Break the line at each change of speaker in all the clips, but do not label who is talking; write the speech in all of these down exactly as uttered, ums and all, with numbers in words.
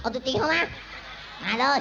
เอาตัวตีเข้ามามาเลย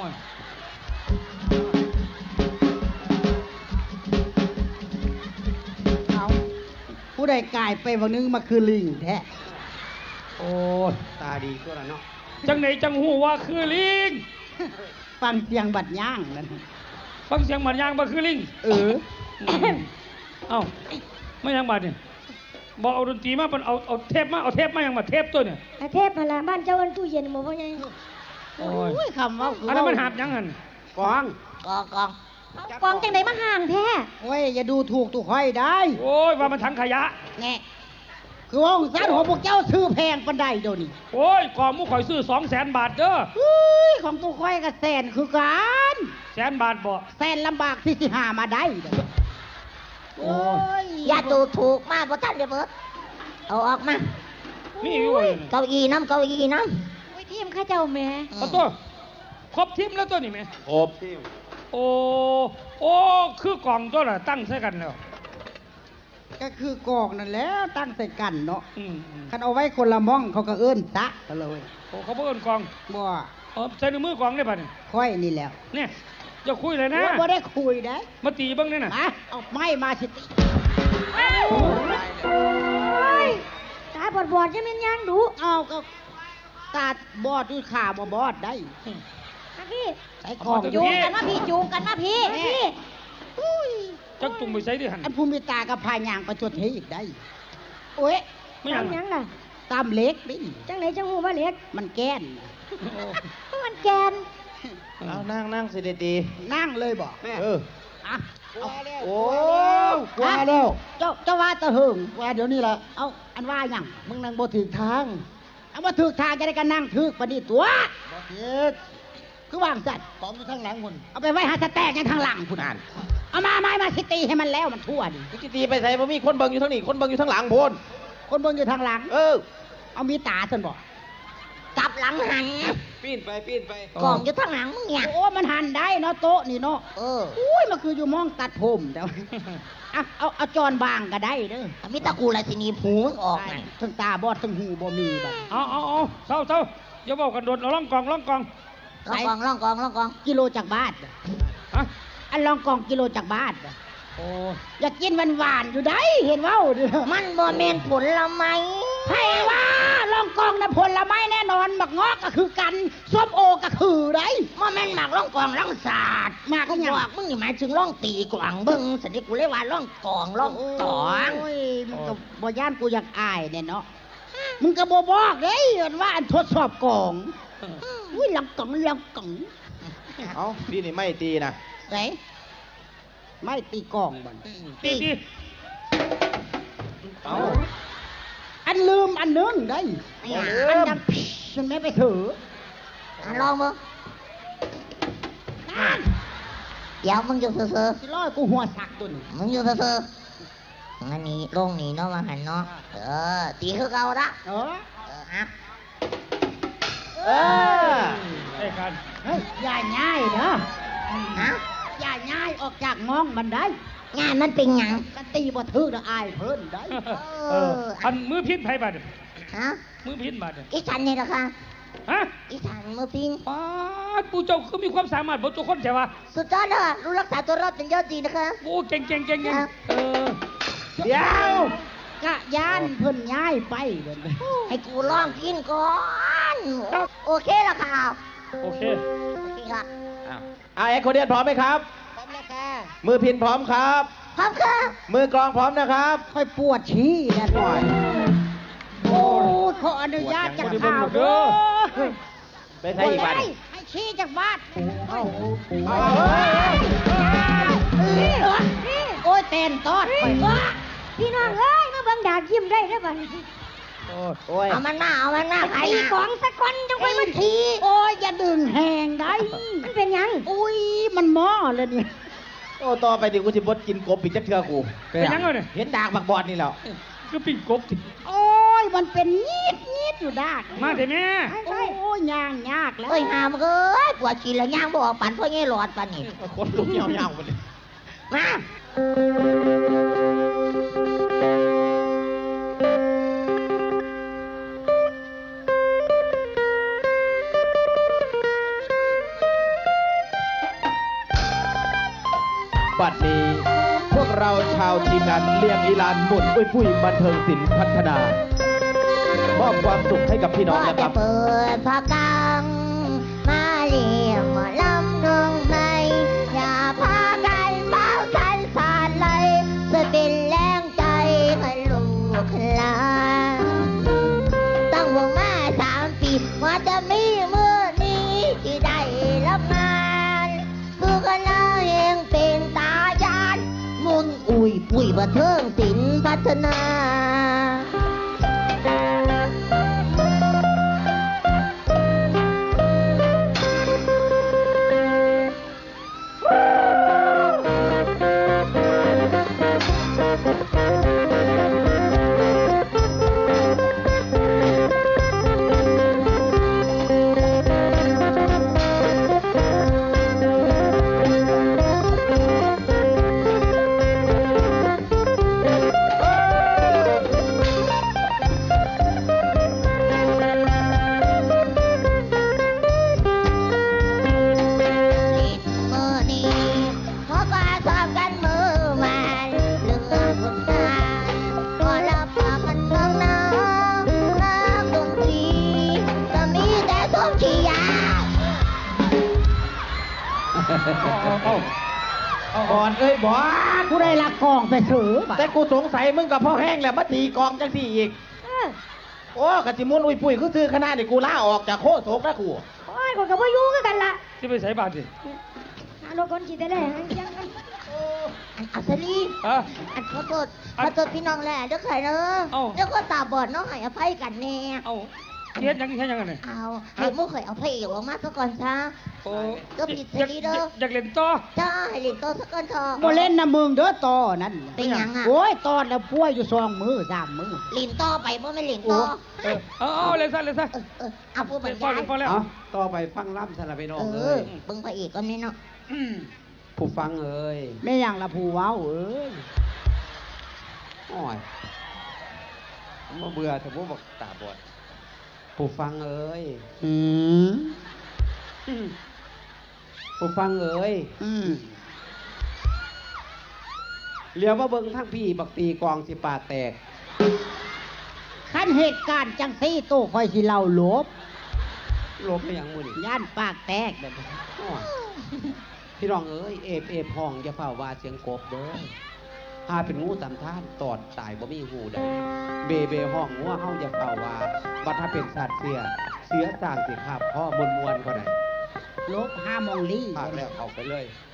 เอาผู้ใดกลายไปวันนึงมาคือลิงแท้
โอ้ตาดีก็แล้วเนาะ
จังไหนจังหูว่าคือลิง
ฟังเสียงบัดย่างนั่น
ฟังเสียงบัดย่างบ่คือลิง
เออ
เอ้าไม่ยังบัดเนี่ยบอกเอาดนตรีมาเป็นเอาเอาเทปมาเอาเทปมายังมาเทปตัวเนี่ย
เทปมาละบ้านเจ้าวันตู้เย็นหมดว่าไง
โอ้
ยคำว่า
อันนั้นมันหาบยังหัน
กอง
กองกองกองจังไหนมาห่างแท้
โอ้ยอย่าดูถูกตุกห้อยได้
โอ้ยว่ามันถังขยะ
แน่คือว่าองศาของพวกเจ้าซื้อแพงปันใดเดี๋ยวนี้
โอ้ยกองมุกข่อยซื้อสองแสนบาทเด้อ
ของตุกห้อยกับแสนคือกัน
แสนบาทบ่
แสนลำบากที่สิหามาได้
โอ้ยอย่าดูถูกมากเพราะท่านเดี๋ยวเบิดเอาออกมา
นี่อยู่
เก้าอี้น้ำเก้าอี้น้ำวิทีมข้าเจ้าแม่
เอาตัวครบทีมแล้วตัวนี้ไหม
ครบทีม
โอ้โอ้คือกองตัวน่ะตั้งใส่กันแล้ว
ก็คือกองนั่นแหละตั้งใส่กันเนาะคันเอาไว้คนละม่องเขาก็เอื้นตะกันเลย
โอ้เขาเอื้นกอง
บ่
เออใส่ในมือกองได้ป่ะเนี่ย
ค่อยนี่แล้ว
เนี่ยจะคุยเลยนะ
บ่ได้คุยได้
มาตีบ้างเนี่ยนะ
มาเอาไม้มาสิ
ตาบอดบอดจะเป็นยังดู
เอาก็ตาบอดด้วยขาบ่บอดได้
พี่ใส่ของจูงกันมาพี่จูงกันมาพี่พี่
จักจุงไปใส่ดิหัน
อันภูมิตากับพายางไปจดเทอีกได้โอ้ย
ไม่ยัง
ยังล่ะ
ตามเล็กดิ
จังไหนจังหูว่าเล็ก
มันแก้น
มันแกน
เอานั่งนั่งสิดี
ๆนั่งเลยบอก
เออ
อ่ะ
โอ้กว่าแล้ว
เจ้าเจ้าว่าตะหึงว่าเดี๋ยวนี้แหละเอาอันว่าอย่างมึงนั่งบ่ถึงทางเอาบ่ถึงทางจะได้กันนั่งถึกปานนี้ตัวบ่ถึกคือว่างสัตว์
พร้อมอยู่ทางหลังพุ่น
เอาไปไว้หาสแตกยังทางหลังพุ่นอ่านเอามาไม้มาสิตีให้มันแล้วมันทั่วดิ
สิตีไปใส่บ่มีคนเบิ่งอยู่ทางนี้คนเบิ่งอยู่ทางหลังพุ่น
คนเบิ่งอยู่ทางหลัง
เออ
เอามีตาซั่นบ่
กลับหลังหัน
ปีนไปปีนไป
กองอยู่ทางหลังมึงเนี่ย
โอ้มันหันได้เนาะโต๊ะนี่เนาะ
เออ
อุ้ยมันคืออยู่มองตัดผมแต่เอาเอาเอาจอนบางก็ได้เด้อ
มีตะกูอะไรสินีผูมึงออกไง
ทั้งตาบอดทั้งหูบ่มีแบบ
เอาเอาเอาเศร้าเศร้าอย่าบอกกันโดดเอาล่องกองล่องกอง
ล่องกองล่องกองล่องกอง
กิโลจากบ้าน
ฮะ
อันล่องกองกิโลจากบ้าน
โอ้
อยากกินหวานๆอยู่ได้เห็นว่า
มันบ่แม่นผลไม้
ให้ว่าลองกองนะผลไม้แน่นอนหมักงอกก็คือกันส้มโอก็คือได้
บ่แม่นหมักล่องกองล่องศาสตร์หมักก็บอกมึงนี่หมายถึงล่องตีกวางเบิ่งสันนิกูเลยว่าล่องกองล่องตอง
โอ้ยมึงก็บ่ย่านกูอยากอายเนี่ยเนาะมึงก็บ่บอกเด้ว่าอันทดสอบกองอุ้ยลองกองลองกอง
เอ้าพี่นี่ไม่ตีนะ
ไหนไม่ตีกองบ่
ตีตี
เอา
อันลืมอันนึงได้อันดังฉันไม่ไปถือ
อันลองมึงเดี๋ยวมึงอยู่เซ่อ
ๆสิร้อยกูหัวสักตัวนึง
มึงอยู่เซ่อๆอันนี้ลงนี่เนาะมาหันเนาะเออตีคือเก่าละ
เออ
เอออ่ะ
เออ
ไอ้กัน
เฮ้ยอย่าง่ายเนาะ
ฮะ
อย่าง่ายออกจากมองมันได้
งานมันเป็นหยัง
กันตีบ่ถือละอายเพิ่นได้
เอออันมือพิษไผบาด
ฮะ
มือพิษบาด
อีฉันนี่ล่ะค่ะ
ฮะ
อีฉันมือพิษ
ป๊าดปู่เจ้าคือมีความสามารถบ่ทุกคนใช่ป่ะ
สุดยอดเลยรู้รักษาตัวรอดเป็นยอดดีนะคะ
โอ้เก่งเก่งเก่งเออ
เดี๋ยวกะยานเพิ่นย้ายไปเด้อ
ให้กูลองกินก่อนโอเคล่ะค่ะ
โอเค
โอเคค่ะ
อ้าวอ่าเอ็กโคเดียนพร้อมไหมครับ
พร้อมแล้วค่ะ
มือพินพร้อมครับ
พร้อมค่ะ
มือกลองพร้อมนะครับ
ค่อยปวดชี้แน่หน่อยโอ้ขออนุญาตจากข่าวเด้อ
ไปใช้อีกบ้าน
ให้ชี้จากบ้านโอ้ยเต้นตอดไป
พี่น้องเอ้ยมาบังดายิ้มได้ได้บ้าง
โอ้ย
เอามันหน้าเอามันหน้าไอ้ของสักคนจังไปมันที
โอ้ยอย่าดึงแหงได้
มันเป็นยัง
อุ้ยมันหม้อเลยนี่
โอ้ต่อไปดิกูสิบดกินกบปีจักเทือกู
เป็นยังไงเนี่ย
เห็นดากบักบอดนี่แล้ว
ก็ปิ้งกบ
โอ้ยมันเป็นยีดยีดอยู่ดาก
มาเถอะแม่
โอ้ยย่างยากแล้ว
เอ้ยหามเอ้ยปวดกินแล้วย่างบอกปั่นเพราะงี้หลอดปั่นนี่
คนลุกเหี่ยวเหี่ยวหมดเลย
มา
บัดนี้พวกเราชาวทีมงานเลี้ยงอีลานหมุนอุ้ยปุ้ยบันเทิงศิลป์พัฒนามอบความสุขให้กับพี่น้องนะครับ
เปิดพากังมาเลี้ยงหมอลำน้องใหม่อย่าพากันเมาสันสานเลยจะเป็นแรงใจให้ลูกหลานตั้งวงมาสามปีว่าจะมีมือนี้ที่ได้รับงานคือกันแล้วเองเป็นตายานมุนอุ้ยปุ้ยบันเทิงศิลป์พัฒนา
บอลเอ้ยบอล
ผู้ใดลักกองไปถือบัด
แต่กูสงสัยมึงกับพ่อแห้งแหละมาตีกองจังสี่อีกโอ้กะจิมุนอุ้ยปุ้ยคือซื้อขนาดนี่กูล่าออกจากโคโศกนะกู
โอ้ยคนกับว่ายุ่งกันละ
จะไปใส่บาตรสิ
หาโลกคนจีได้เลยยังกัน
อันอัศรี
อ่ะ
อันขอโทษขอโทษพี่น้องแหละเด้อค่ะเนอะ
เอ้า
เดี๋ยวก็ตาบอดเน้องให้อภัยกันแน่
เอาเฮ็ดหยังแค่ยังไงเนี่ย
เอาให้หมู่ข่อยเอาพระเอกออกมาซะก่อนซะ
โอ้
ก็ผิดเสรีเด้อ
อยากเล่นต่อ
จ้าให้เล่นโตซะก่อนเถอะ
บ่เล่นนะมึงเด้อต่อนั่น
เป็นหยังอ่ะ
โอ้ยตอนแล้วป่วยอยู่สองมือสามมือ
เล่นต่อไปบ่แม่นเล่นต่อ
เออเอาเอาเล่นซะเล่นซะ
เออเออเอาผู้บร
เล่
ร
นพอย
าย
เล่นพอแล้ว
เอาต่อไปฟังล่ำสลับไปน้อง
เอ
เอ้
อย เบิ่งพระเอกก่อนนี่เนาะ
ผู้ฟังเอ้ย
แม่ยังละผู้เว้าเอ้ย
โอ้ยมาเบื่อแต่พวกบอกตาบอดผู้ฟังเอ้ย
อืม
ผู้ฟังเอ้ย
อืม
เลี้ยวมาเบิ่งทั้งพี่บักตีกองสิปากแตก
ขั้นเหตุการณ์จังซี่โตคอยสิเล่าหลบ
ลบไปอย่างมือนี่
ย่านปากแตกแบบนี้
โอ้ยพี่น้องเอ้ยเอฟเอฟห้องอย่าเฝ้าว่าเสียงกบเด้อหาเป็นงูตำท่านตอดตายบ่มีหูได้เบเบห้องงัวเฮาอย่าเฝ้าว่าบัดถ้าเป็นสัตว์เสียเสียต่างสิคาบพ่อมวนมวนๆก็ได้
ลบห้ามองลี่
พากแล้วเอาไปเลย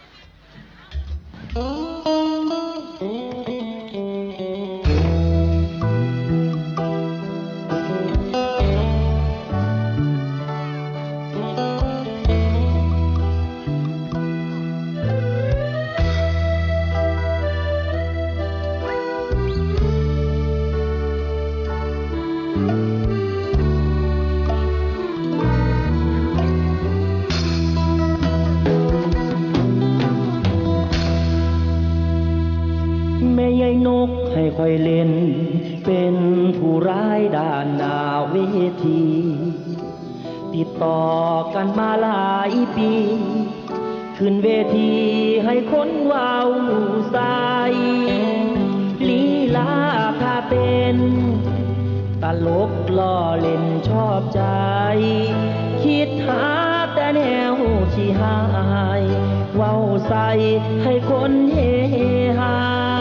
แม่ยายนกให้คอยเล่น เป็นผู้ร้ายด้านหน้าเวที ติดต่อกันมาหลายปี ขึ้นเวทีให้คนว้าวใสลีลาท่าเต้นตลกล้อเล่นชอบใจ คิดหาแต่แนวที่หายเว้าใส่ให้คนเฮฮา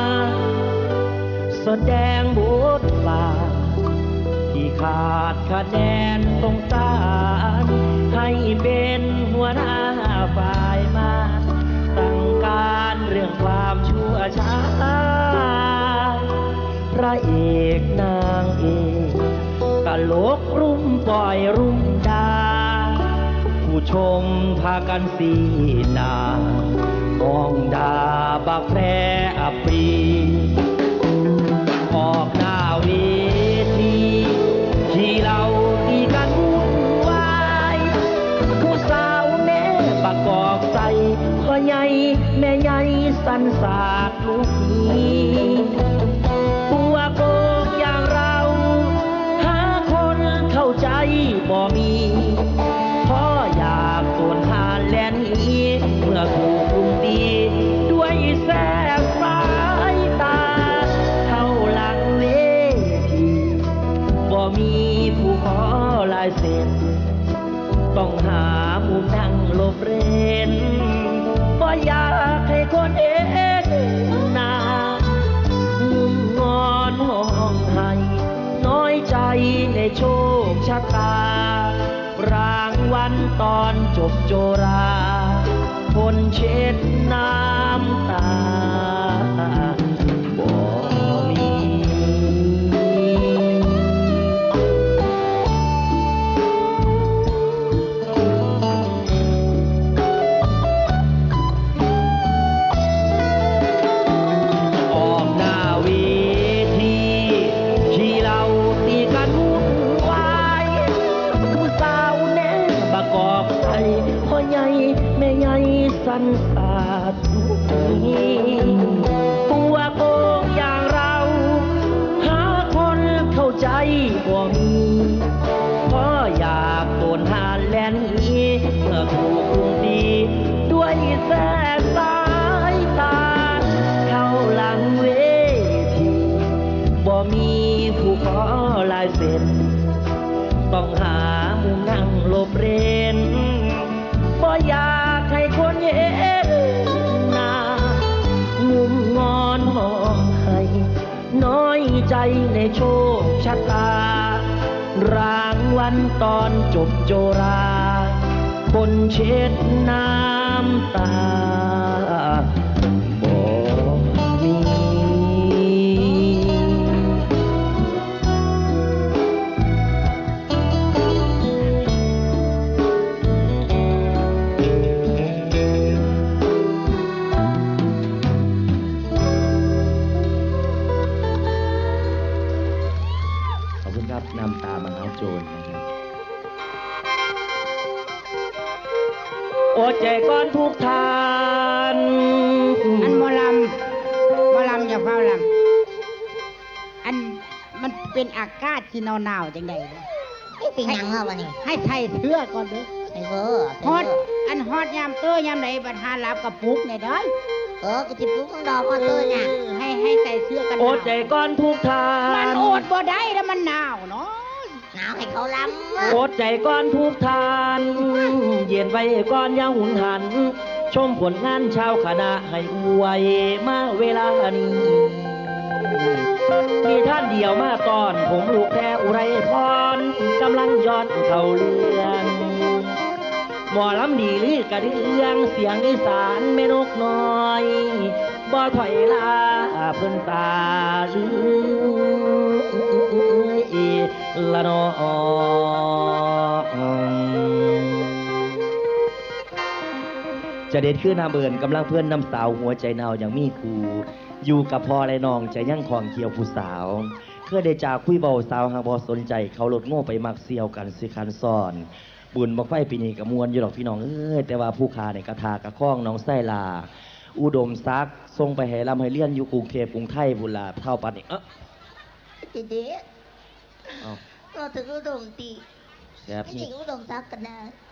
แสดงบทบาทที่ขาดคะแนนสงสารให้เป็นหัวหน้าฝ่ายมาสั่งการเรื่องความชั่วช้าพระเอกนางเอกตลกรุ่มปล่อยรุ่มดาผู้ชมพากันสีหนามองดาบักแพร่อัปรีออกหน้าเวทีที่เราตีกันวุ่นวายผู้สาวแม่ประกอบใส่พ่อใหญ่แม่ใหญ่สันสาดลูกนี้ตัวโกงอย่างเราหาคนเข้าใจบ่มีพ่ออยากส่วนหาแลนนี้เมื่อถูกรุมตีด้วยแสต้องหามุมนั่งหลบเร้นบ่อยากให้คนเห็นหน้ามุมงอนห้องไห้น้อยใจในโชคชะตารางวันตอนจบโจราคนเช็ดน้ำตาบ่มีออกหน้าเวทีที่เราตีกันวุ่นวายผู้สาวแน่บกอกไทยพ่อใหญ่แม่ใหญ่สันสาดตัวโกงอย่างเราหาคนเข้าใจบ่มีเพราะอยากโดนหาแลนนี้เมื่อถูกคุมดีด้วยแสงสายตาเข้าหลังเวทีบ่มีผู้ขอลายเซ็นต้องหามุมนั่งหลบเร้นบ่อยากให้คนเห็นหน้ามุมงอนห้องไห้น้อยใจในโชคชะตารางวันตอนจบโจราคนเช็ดน้ำตาบ่มี ขอบคุณครับนำตามหาโจรนะครับโอดใจก่อนทุกทาน
อันหมอลำหมอลำอย่าเฝ้าลำอันมันเป็นอากาศที่หนาวๆจังใดเนี่ย
นี่เป็นหยังเหรอวะนี่
ให้ไทยเสื้อก่อนเด้อ
ไอ้เวอร์
ฮอดอันฮอดยามเตื้อยามไหนบัดหาหลับกับปลุกเนี่ยเด้อ
เออกระจิบลูกของดอกมาตัวเนี่ย
ให้ให้ใส่เสื้อกันห
โอด
นาว
ใจก่อนทุกทาน
มันอดบ่ได้แล้วมันหนาวเนาะ
หนาวให้เขาล้ำ
โอดใจก่อนทุกทาน เย็นไว้ก่อนอย่าหุนหัน ชมผลงานชาวคณะให้อวยมาเวลานี้มีท่านเดียวมาตอนผมลูกแพ้อุไรพรกำลังย้อนเข้าเรื่องหมอลำดีลือกระเดืองเสียงอีสานแม่นกน้อยบ่ถอยลาเพิ่นตาลือละนอจะเด็ดขึ้นน้ำเบินกำลังเพื่อนน้ำสาวหัวใจเนาอย่างมีครูอยู่กับพ่อและน้องใจยั่งของเกี่ยวผู้สาวเพื่อได้จากคุยเบาสาวหางบอสนใจเขาลดโง่ไปมักเซียวกันสิคันซ่อนบุญบักไฟปีนี้กับมวลอยู่หรอกพี่น้องเอ้ยแต่ว่าผู้ขาในกระทากระข้องน้องไส้ลาอุดมซักทรงไปให้ลำให้เลี้ยนอยู่กรุงเทพกรุงไทยบุญลาเท่าปันนี่เออ
เด็ด
เอา
ๆเราถึงอุดมตี
แซ่บ
ไม่
นี่
จริงอุดมซักกันนะ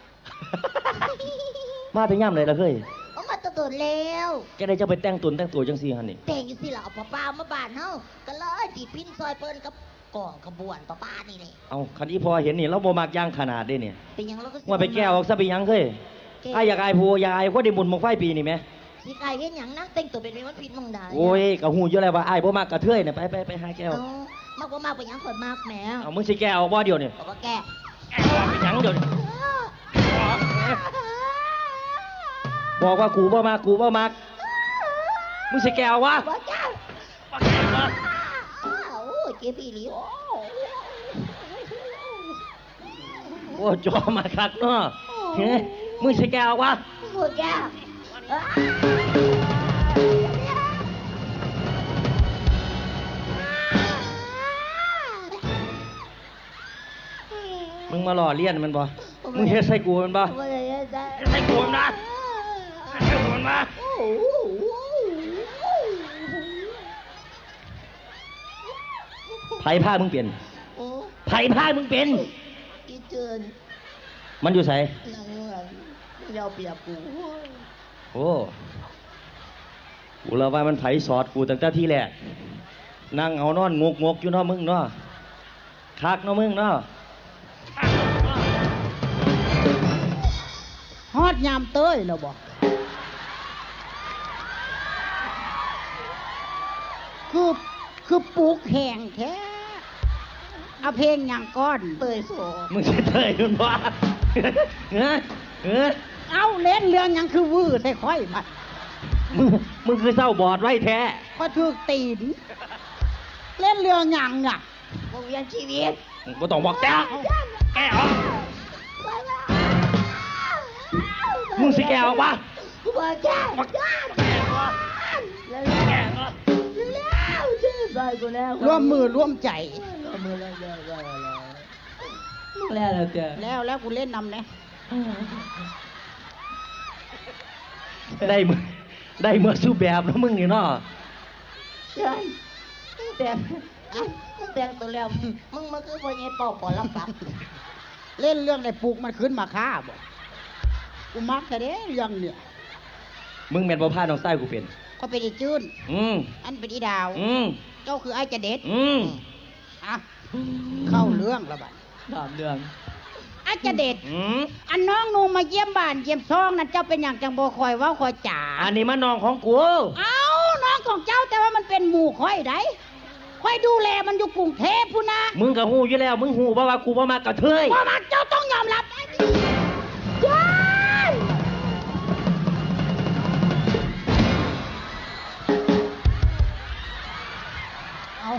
มาถึงย่ำเลยละเคย
เอามาตะโดดแล้ว
แกได้จะไปแต่งตุนแต่งตัวจังซี่ฮันนี่
แต่งอยู่สิล่ะเอาป้าป้ามาบ้านเฮาก็เลยตีพินซอยเปิ้นกับก่องขบวนป้าป้านี่เลย
เอาคันอีพอเห็นนี่เราบ่มักย่างขนาดเด้เนี่ย
เป็นหยังเราก็สิ
ว่าไปแก้วออกซะไปหยังเคยไอ้ายอยากอายผู้อยากอายคนได้บุญบักไฟปีนี่ไหม
สิกายเฮ็ดหยังนั่งแต่งตัวเป็นวันผิดมองใด
โอ้ยกะหูอยู่แล้วว่าอ้ายบ่มักกระเทยเนี่ยไปไปไปหาแก้ว
เอามากบ่มากไปหยังข่อยมากแหม
เอามึงสิแก้วออกบ่เดียวเนี่ย
บอกว่าแก
แก้วออกไปหยังเดี๋ยวนี้บอกว่ากูบ่มักกูบ่มักมึงสิแก้ววะ
บอกแก
บ่แก้ววะ
อ้าวโอ้ยเก็บอีหลี
โอ้จอมาคักเนาะเฮ้ยมึงสิแก้ววะ
บอกแก
มึงมาหล่อเลี้ยนมันบ่มึงเฮ็ดใส่กูมันบ่
บ่ได้เฮ็ดได้
เฮ็ดใส่กูมันนะเฮ็ดใส่กูมันบ่
โอ้โห
ไผพามึงเปลี่ยน
โอ้
ไผพามึงเป็น
อีเจิน
มันอยู่ไส
นั่งหลังยาวเปียกกู
โอ้กูแล้วว่ามันไผสอดกูตั้งแต่ที่แรกนั่งเอานอนงกงกๆอยู่เนาะมึงเนาะคักเนาะมึงเนาะ
ยามเต้ยแล้วบอกคือคือปลูกแห้งแท้เอาเพลงอย่างก้อนเตยโส
มึงจะเตยมันว่าเฮ้ยเฮ้ย
เอาเล่นเรื่องหยังคือวื้อใส่ค่อยมา
มึงมึงคือเศร้าบอดไว้แท้
ก็ถูกตีนเล่นเรื่องหยังอ่ะ
วงเวียนชีวิต
มึงบ่ต้องบอกแกแกออกมึงสิแกออกปะ
ว่าแก้ว
แกออกแล้วแกออก
แล้วชื่อใส่กูแล้ว
ร่วมมือร่วมใจ
มือแล้วแล้วแล้ว
แล้วแล้วแก
แล้วแล้วกูเล่นนำนะ
ได้มือได้เมื่อสู้แบบแล้วมึงนี่เนาะ
ใช่แต่แต่งตัวแล้วมึงมาคือพ่อใหญ่เป่าปอลำปับ
เล่นเรื่องไหนปลูกมันขึ้นมาฆ่าบอกกูมักแต่เด้เรื่องเนี่ย
มึงแม่นบ่พาน้องใต้กูเป็น
ก็เป็นอีจื้น
อืม
อันเป็นอีดาว
อืม
เจ้าคือไอ้จะเด็ด
อืม
อ่ะเข้าเรื่องแล้วบัด
ถามเรื่อง
ไอ้จะเด็ด
อืม
อันน้องหนูมาเยี่ยมบ้านเยี่ยมซองนั่นเจ้าเป็นอย่างจังบ่คอยเว่าคอยจ๋า
อันนี้มันน้องของกู
เอาน้องของเจ้าแต่ว่ามันเป็นหมู่คอยได้คอยดูแลมันอยู่กรุงเทพพูนนะ
มึงก็ฮู้อยู่แล้ว มึงฮู้บ่ว่ากูบ่มากระเทย
เพราะมันเจ้าต้องยอมรับได้ใช่เอา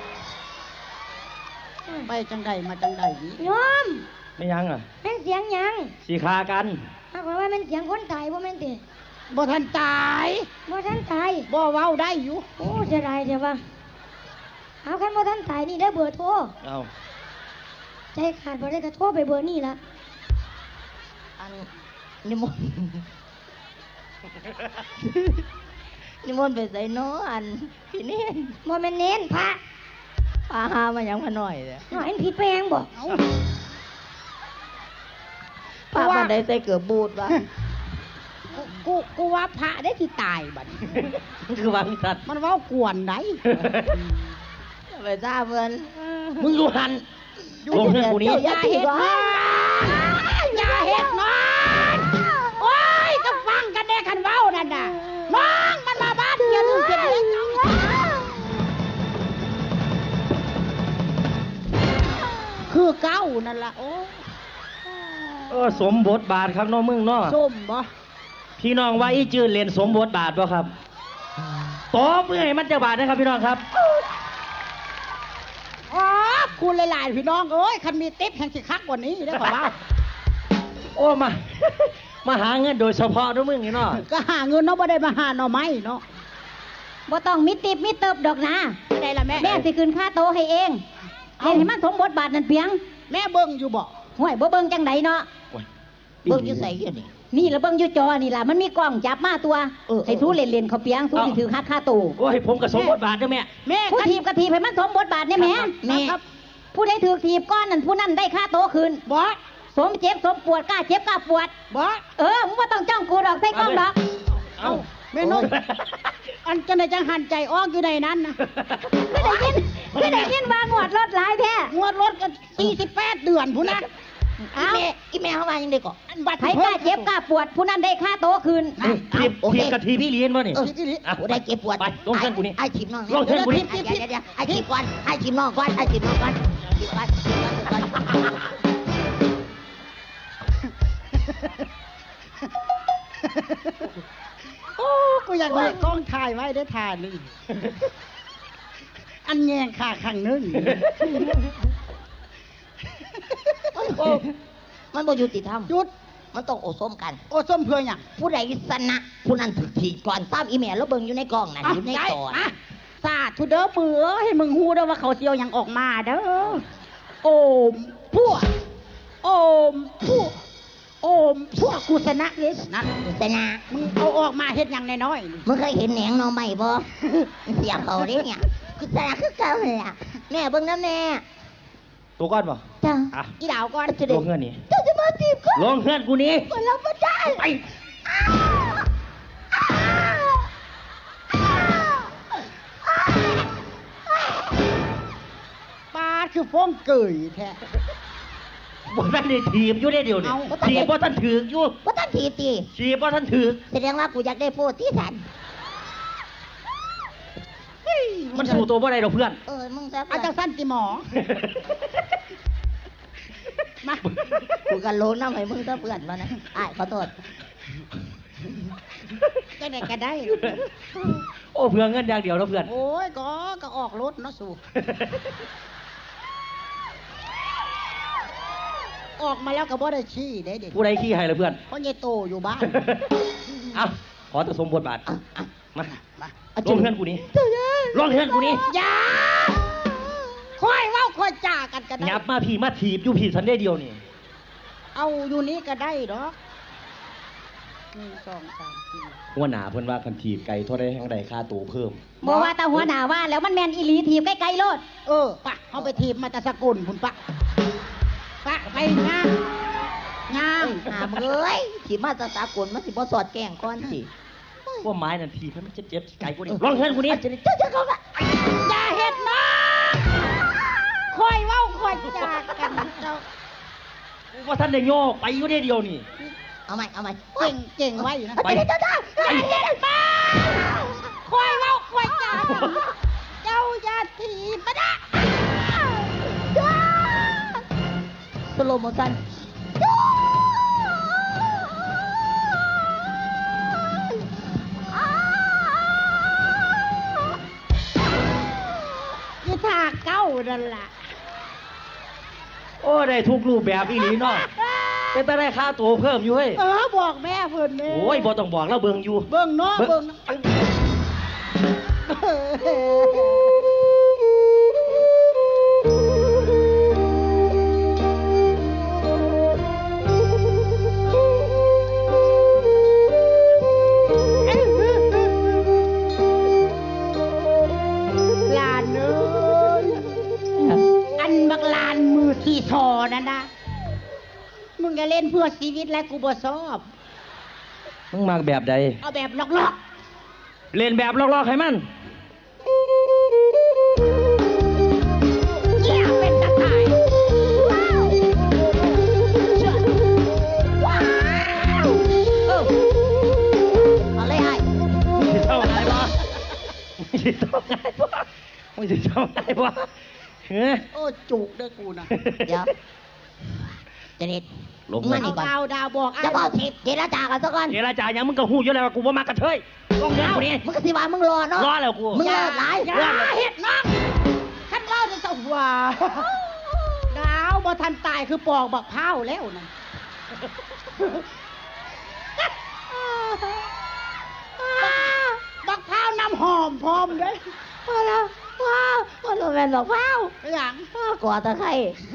ไปจังใดมาจังใดนี่
โยม
ไม่ยังอ่ะ
แม่นเสียงหยัง
สิคากัน
ถ้าบอกว่าแม่นเสียงคนตายบ่แม่นติ
บ่ทันตาย
บ่ทันตาย
บ่เว้าได้อยู่
โอ้เสียดายเสียว่าเอาคันบ่ทันตายนี่ได้เบอร์โทร
เอา
ใจขาดบ่ได้ก็โทรไปเบอร์นี่ละ
อันนิมนต์นิมนต์ไปใส่น้ออันพี่เน้น
บ่แม่นเน้นพระ
พาหามายังมาหน่อยเลย
หน่อยมันผิดแปลงบ่
เอา
พามาได้ใส่เกือบบูดวะ
กูกูกูว่าพระได้ที่ตายบัด
มันคือวางสัตว์
มันเว้ากวนได้
ไปทราบเพิ่น
มึงอยู่หันลงเพื่อนกูนี้
อย่าเห็ดนอนอย่าเห็ดนอนโอ้ยก็ฟังกันแน่คันเว้านั่นน่ะน้องมันมาบ้านเดียวนึงเสร็จแล้วคือเก้านั่นล่ะโอ้
เออสมบทบาทครับน้องมึงเนาะ
ส้มบ่
พี่น้องว่าอีจืดเรียนสมบทบาทบ่ครับตบเพื่อให้มันจะบาทนะครับพี่น้องครับ
อ๋อคุณหลายๆพี่น้องเอ้ยคันมีติ๊บแห่งสิคักกว่านี้ได้ป่าวว่า
โอ้มา มาหาเงินโดยเฉพาะน้องมึงนี่เนาะ
ก็หาเงินเนาะบ่ได้มาหาหน่อไม้เนาะ
บ่ต้องมีติบมีเติบดอกนะ
ไม่ได้ละแม่
แม่สิคืนค่าโตะให้เองเล่นให้มันสมบทบาทนั่นเพียง
แม่เบิ่งอยู่บ่
ห่วยบ่เบิ่งจังไดเนาะ
เบิ่งอยู่ใส่อยู่นี่
นี่ละเบิ่งอยู่จอนี่ล่ะมันมีกล้องจับมาตัว
เออ
ให้สู้เล่นๆเขาเปียงสู้สิถือค่าค่าโตะ
โอ้ยผมกับสมบทบาทเด้อแม่
แม่
ผู้
คัน
ทีบกระทีบให้มันสมบทบาทเนี่ยแหม่
แม่ครับ
ผู้ใดถือทีบก้อนนั่นผู้นั้นได้ค่าโตะคืน
บ่
สมเจ็บสมปวดกล้าเจ็บกล้าปวด
บ่
เออมึงว่าต้องจ้องกูดอกใส่กล้องดอก
เอ้า
แม่นกอันจังไดจังหันใจออกอยู่ในนั้นนะ
ไม่ได้ยินไม่ได้ยินว่างวดรถหลายแท้
งวดรถกันสี่สิบแปดเดือนผู้นั้น
อีแม่อีแม่เขาว่ายังได้ก่อน
อันบัตร
ใครกล้าเจ็บกล้าปวด ผู้นั้นได้ค่าโตะคืน
เอ้ยทีบทีบกะทีพี่เรียนวะนี่
เออ
อ่ะ
โอ้ได้เก็บปวด
ไปลงเส้นกูนี่
ไอ้ชิมน้อง
ลงเส้นกูนี่
เดี๋ยวเดี๋ยวเดี๋ยวไอ้ชิมก่อนไอ้ชิมน้องก่อนไอ้ชิมน้องก่อนชิมก่อนชิมก่อนชิมก่อน
โอ้กูอยากได้กล้องถ่ายไว้ได้ถ่ายหนึงอันแยงขาข้างหนึง
โอ้มันบ่ยุติธรรม
หยุด
มันต้องโอส้มกัน
โอ้ส้มเพื่อหยัง
ผู้ใดชนะผู้นั้นถูกถีบก่อนตามอีแม่แล้วเบิ่งอยู่ในกล้องนั่น
อ่ะ
อยู่ใน
ได้
จอ
อ่ะสาธุเด้อมือเอ้ยให้มึงฮู้เด้อว่าเขาเสียวหยังออกมาเด้อโอมพวกโอมพวกโอมพวกกูชนะเลยนั่น
ชนะ
มึงเอาออกมาเฮ็ดหยังน้อยๆนี่
มึงเคยเห็นแหนงหน่อไม้บ่ เสียเขาเด้เนี่ยคือชนะคือเก่าเลยล่ะแม่เบิ่งนะแม่
ตัวก้อนป่ะ
จ้า
อ่ะ
อีดาวก่อน
จะได้
ลงเงินนี่
เจ้าจะมาจีบก็
ลงเงินกูนี้
คนเราไม่ได้
ไป
ปลาคือฟ้องเกยแท้
บ่ท่านได้ถีบอยู่ได้เดียวนี่
เอา
ถีบบ่ท่านถือกอยู่
ว่าท่านทีตี
ถีบบ่ท่านถือก
แสดงว่ากูอยากได้โพดที่สัน
มันสู้ตัวบ่ได้ดอกเพื่อน
เออมึงซะ
เอาจังสั้นสิหมอ มา
กูกันโลน้ำให้มึงซะเพื่อนมานะอ้ายขอโทษ
จะได้ก็ได้
โอ้เพื่อเงินอย่างเดียวแล้วเพื่อน
โอ้ยก็ก็ออกรถเนาะสู่ ออกมาแล้วก็บ่ได้ชี้ได้เด็ก
ผู้ใดขี้ให้ละเพื่อน
เพราะยายโตอยู่บ้าน
เอ้าขอจะสมบทบาทมา
มา
ลองเฮือนกูนี้ลองเฮือนกูนี้
อย่าค่อยเว้าค่อยจ่ากันก็ได้
ยับมาพี่มาถีบอยู่พี่สันได้เดียวนี่
เอาอยู่นี้ก็ได้ดอกหนึ่งสองสามสี่
หัวหน้าเพิ่นว่าคันถีบไก่เท่าได้แห่งใดค่าตัวเพิ่ม
บอกว่าตาหัวหน้าว่าแล้วมันแมนอีหลีทีบใกล้ๆโลด
เออปะเอาไปทีมมาแตะสกุลคุณปะปะไปงามงาม
หามเอ้ยที่มาตะสากลมันสิบ่สอดแกล้งก่อนสิ
ว่าไม้นั่นถีบให้มันเจ็บๆไก่กูนี่ลองเฮือนกูนี้
จะได้เจ้าจะเข้ามา
อย่าเฮ็ดนะค่อยเว้าค่อยจ่ากันเจ้า
ว่าท่านได้โยกไปอยู่ได้เดียวนี่
เอาใหม่เอาใหม่
เก่งเก่งไว้อยู่นะ
ไปเจ้าเจ้า
อย่าเฮ็ดมาค่อยเว้าค่อยจ่าเจ้าอย่าถีบมานะ
สโลโมชั่น
ยี่ทาเก้านั่นล่ะ
โอ้ได้ทุกรูปแบบอีหลีเนาะเป็นแต่ได้ค่าตัวเพิ่มอยู่เฮ้ย
เออบอกแม่เพิ่นแม่
โอ้ยบ่ต้องบอกแล้วเบิ่งอยู่
เบิ่งเนาะเบิ่งเนาะ ลานเอ้ยอันบักลานมือที่ทอนั่นนะมึงจะเล่นเพื่อชีวิตและกูบ่ชอบ
มึงมาแบบใด
เอาแบบล็อก
เล่นแบบลอกๆให้มัน
ๆเยี่ยเป็นตะข่ายว้าวเชื่อว้าวเออ
เอาเลยไอ้
มึงสิเท่าไงบ่มึงสิเท่าไงบ่มึงสิเท่าไงบ่เฮ้ย
โอ้จุกเด้อกูนะ
เดี๋ยวเจนิด
ลง
มา
มา
นี่
เอา
ก่อน
ดาวดาวบอกไอ้
จะบอกทิพเจรจากันซะก่อน
เจรจาหยังมึงก็ฮู้อยู่แล้วว่ากูบ่มากระเทยลองเฮือนกูนี้
มึงก็สิว่ามึงรอเนาะ
รอแล้วกู
มึงเลิกหลาย
อย่าเฮ็ดน้องขันเล่าจะสว่าดาวบ่ทันตายคือปอกบักพร้าวแล้วนั่น บักพร้าวน้ำหอมพร้อมเด้ย
พอแล้วว้าวมันโรแมนบอกว้าว
หลัง
กว่าตะไคร้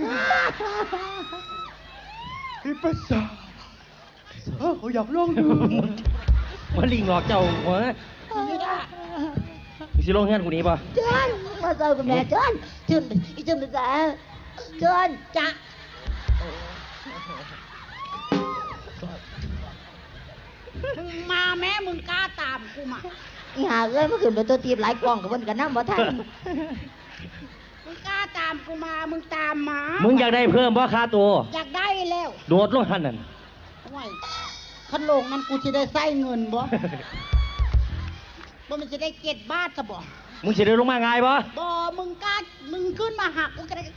พี่ภาษาเขาอยากลองดูมันลิงหลอกเจ้าหัว
ไม่ได้
มึงสิลงเฮือนกูนี้ป่ะ
เจินมาเจอกับแม่เจินเจินอีเจินเป็นไงเจิน
จะมึงมาแม้มึงกล้าตามกูมา
อีหาเอ้ยเมื่อคืนเป็นตัวตีบหลายกล่องกับเพิ่นกันน้ำบ่ทัน
มึงกล้าตามกูมา มึงตามมา
มึงอยากได้เพิ่มบ่ค่าตัว
อยากได้แล้ว
โดดลงหันนั่น
โอ้ยขันโลงนั้นกูจะได้ใส่เงินบ่บ่มันจะได้เก็ดบาทซะบ่
มึงสิได้ลงมาง่ายบ่
บ่มึงกล้า มึงขึ้นมาหักกูก็ได้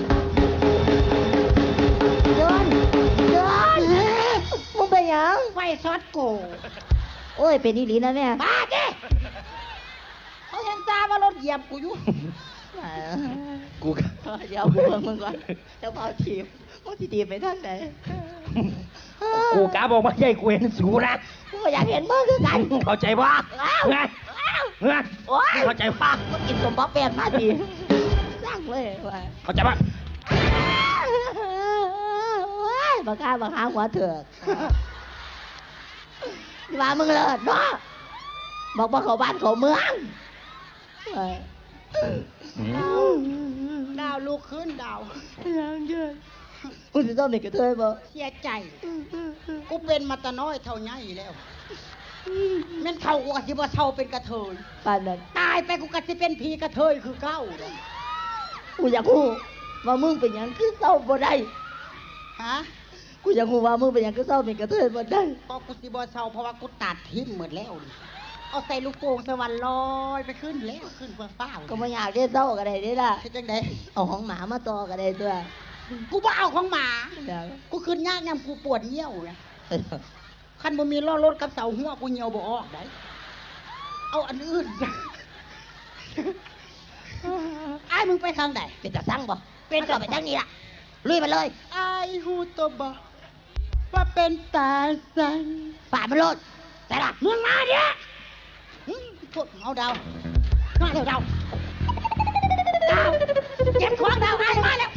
เจินเจินมึงเป็นหยัง
ไฟซอสโก
โอ้ยเป็นอีหลีนะแม่
บ้าเด้เขายังตามว่ารถเหยียบกูอยู่
กูก็
เดี๋ยวกูเบิ่งมึงก่อนเจ้าเผาทีบมึงสิทีบไปทางไหน
กูกะบอกว่าใหญ่กูเห็นสูนะ
กูก็อยากเห็นมึงคือกัน
เข้าใจป่ะไงไง
โอ้ย
เข้าใจป่ะ
มึงกินสมบัติแปดมาดีสร้างเลยว่า
เข้าใจป่ะ
ว้ายบักข้าบักข้าหัวเถือกว่ามึงเลิศเนาะบอกว่าเขาบ้านเขาเมืองเอ้ย
ดาวลูกขึ้นดาว
ยังเยอะมึงจะต้องมีกระเทยบ่
เสียใจ กูเป็นมาแตะน้อยเท่าไงแล้วแม่นเท่ากูกะสิบ่เท่าเป็นกระเทย
ป่านนั้น
ตายไปกูกะสิเป็นผีกระเทยคือเก้าเลย
กูอยากรู้ว่ามึงเป็นหยังคือเศร้าบ่ได้
ฮะ
กูอยากรู้ว่ามึงเป็นหยังก็เศร้าเป็นกระเทยบ่ได้
ก็กูสิบ่เศร้าเพราะว่ากูตัดทิ้งหมดแล้วนี่เอาใส่ลูกโป่งสวรรค์ลอยไปขึ้นแล้วขึ้นเฟื่องฟ้า
ก็บ่อยากได้เศร้าก็ได้เด้ล่ะ
คิดจังได
เอาของหมามาต่อก็ได้ตัว
กูบ่เอาของหมา
เดี๋ยว
กูขึ้นยากยามกูปวดเหี่ยวนะคันบ่มีล้อรถกับเสาหัวกูเหี่ยวบ่ออกได้เอาอันอื่นไอ้ายมึงไปทางไหน
เป็นตาสั่งบ่เป็นก็ไปทางนี้ล่ะลุยมาเลย
ไอ้ายฮู้ตัวบ่ว่าเป็นตาสัง
ฝ่ามันโลดแต่ล่ะ
มึงมาเด้อหึพวกเอาดาวมาเร็วดาวดาวเก็บของดาวไอ้ายมาแล้ว